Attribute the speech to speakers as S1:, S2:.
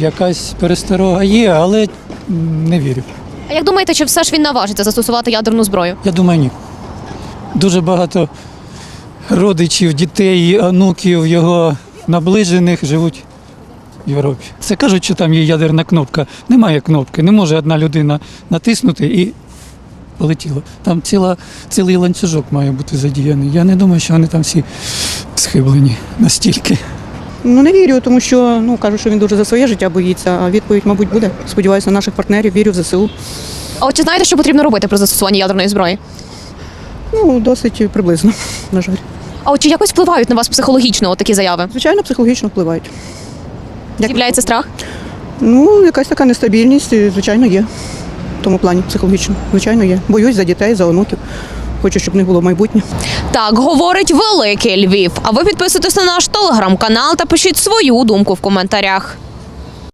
S1: якась пересторога є, але не вірю.
S2: А як думаєте, чи все ж він наважиться застосувати ядерну зброю?
S1: Я думаю, ні. Дуже багато родичів, дітей, онуків його наближених живуть в Європі. Це кажуть, що там є ядерна кнопка. Немає кнопки, не може одна людина натиснути і полетіло. Там цілий ланцюжок має бути задіяний. Я не думаю, що вони там всі схиблені настільки.
S3: Не вірю, тому що кажуть, що він дуже за своє життя боїться, а відповідь, мабуть, буде. Сподіваюся на наших партнерів, вірю в ЗСУ.
S2: А от чи знаєте, що потрібно робити при застосуванні ядерної зброї?
S3: Досить приблизно, на жаль.
S2: А от чи якось впливають на вас психологічно от такі заяви?
S3: Звичайно, психологічно впливають.
S2: З'являється страх?
S3: Якась така нестабільність, звичайно, є. В тому плані психологічно, звичайно, є. Боюсь за дітей, за онуків. Хочу, щоб в них було майбутнє.
S2: Так говорить Великий Львів. А ви підписуйтесь на наш телеграм-канал та пишіть свою думку в коментарях.